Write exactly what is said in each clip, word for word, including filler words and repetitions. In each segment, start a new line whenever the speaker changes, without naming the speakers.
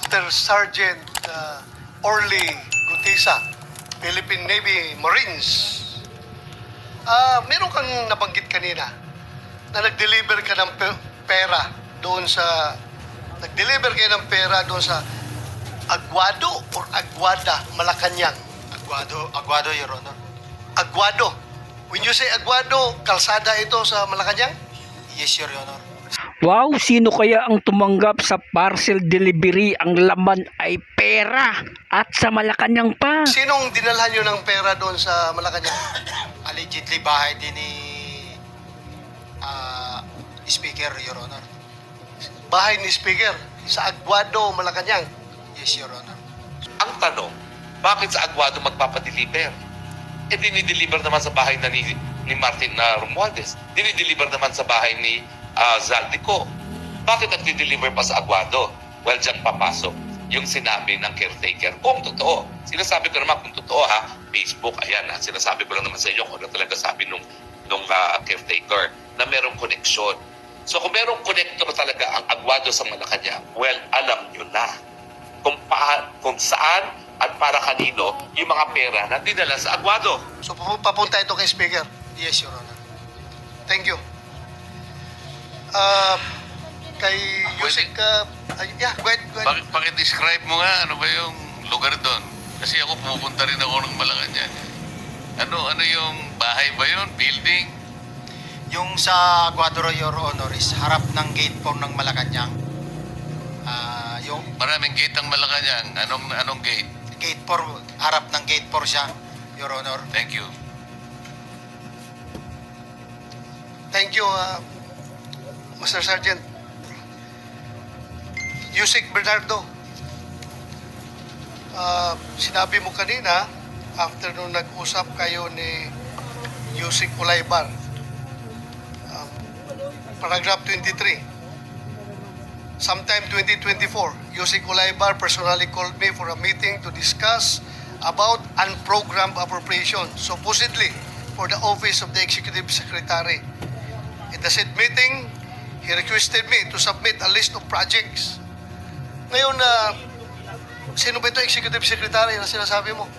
Master Sergeant uh, Orly Gutisa, Philippine Navy Marines. Ah, meron kang nabanggit kanina na nag-deliver ka ng pe- pera doon sa nag-deliver kayo ng pera doon sa Aguado or Aguada, Malacanang.
Aguado, Aguado, Your Honor.
Aguado. When you say Aguado, kalsada ito sa Malacanang?
Yes, Your Honor.
Wow, sino kaya ang tumanggap sa parcel delivery? Ang laman ay pera at sa Malacanang pa.
Sinong dinalhan nyo ng pera doon sa Malacanang?
Allegedly, bahay din ni ah, Speaker, Your Honor.
Bahay ni Speaker sa Aguado, Malacanang.
Yes, Your Honor.
Ang tanong, bakit sa Aguado magpapadeliver? Eh, dinideliver naman sa bahay na ni, ni Martin na Romualdez. Dinideliver naman sa bahay ni uh, Zaldico. Bakit nagdi-deliver pa sa Aguado? Well, dyan papasok yung sinabi ng caretaker. Kung totoo. Sinasabi ko naman kung totoo ha, Facebook, ayan ha, sinasabi ko lang naman sa inyo kung ano talaga sabi nung, nung uh, caretaker na merong koneksyon. So kung merong connector talaga ang Aguado sa Malacanang, well, alam nyo na kung, pa, kung saan at para kanino yung mga pera na dinala sa Aguado.
So papu- papunta ito kay Speaker.
Yes, Your Honor.
Thank you. Uh, kay
Pwede?
Yusek, uh, ay, yeah, go ahead, go ahead.
Bakit, pakidescribe mo nga ano ba yung lugar doon? Kasi ako pumupunta rin ako ng Malacanang. Ano, ano yung bahay ba yun? Building?
Yung sa Aguado, Your Honor, is harap ng gate four ng Malacanang. Ah, yung
Maraming gate ang Malacanang. Anong, anong gate?
gate four, harap ng gate four siya, Your Honor.
Thank you.
Thank you, uh, Master Sergeant. Yusek Bernardo, uh, sinabi mo kanina, after nung nag-usap kayo ni Yusek Ulaybar, um, paragraph twenty-three, sometime twenty twenty-four, Yusek Ulaybar personally called me for a meeting to discuss about unprogrammed appropriation, supposedly for the Office of the Executive Secretary. In the said meeting, he requested me to submit a list of projects. Ngayon na, uh, sino ba ito Executive Secretary na sinasabi mo?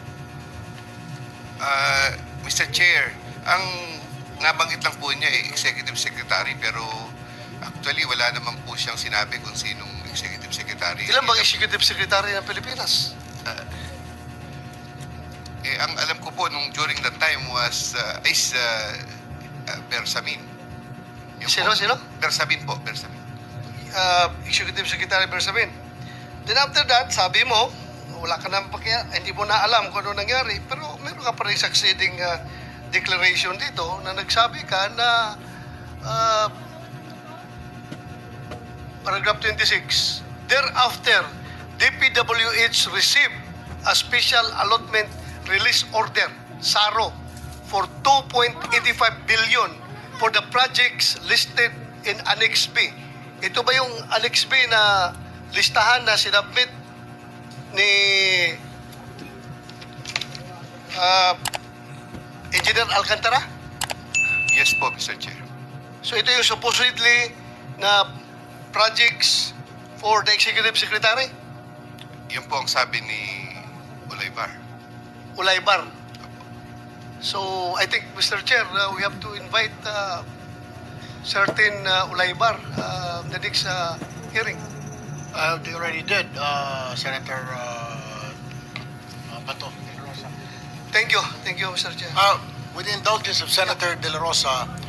Uh, Mister Chair, ang nabanggit lang po niya ay Executive Secretary pero actually wala naman po siyang sinabi kung sinong Executive Secretary.
Ilan bang Executive Secretary ng Pilipinas?
Uh, eh, ang alam ko po nung during that time was uh, is uh, uh, Bersamin. Yun
Sino,
po.
sino?
Bersamin po, Bersamin.
Uh, Executive Secretary Bersamin. Then after that, sabi mo, wala ka naman pakiya, hindi mo na alam kung ano nangyari, pero meron ka pa rin succeeding uh, declaration dito na nagsabi ka na uh, paragraph twenty-six, thereafter, D P W H received a special allotment release order, SARO, for two point eight five billion for the projects listed in Annex B. Ito ba yung Annex B na listahan na sinabmit ni uh, Engineer Alcantara?
Yes po, Mister Chair.
So ito yung supposedly na projects for the Executive Secretary?
Yun po ang sabi ni Ulaybar.
Ulaybar. So I think, Mister Chair, uh, we have to invite uh, certain uh, Ulaybar uh, the next uh, hearing.
Uh, they already did, uh, Senator uh, uh, Bato de la Rosa.
Thank you. Thank you, Mister Chair.
Uh, with the indulgence of Senator De La Rosa,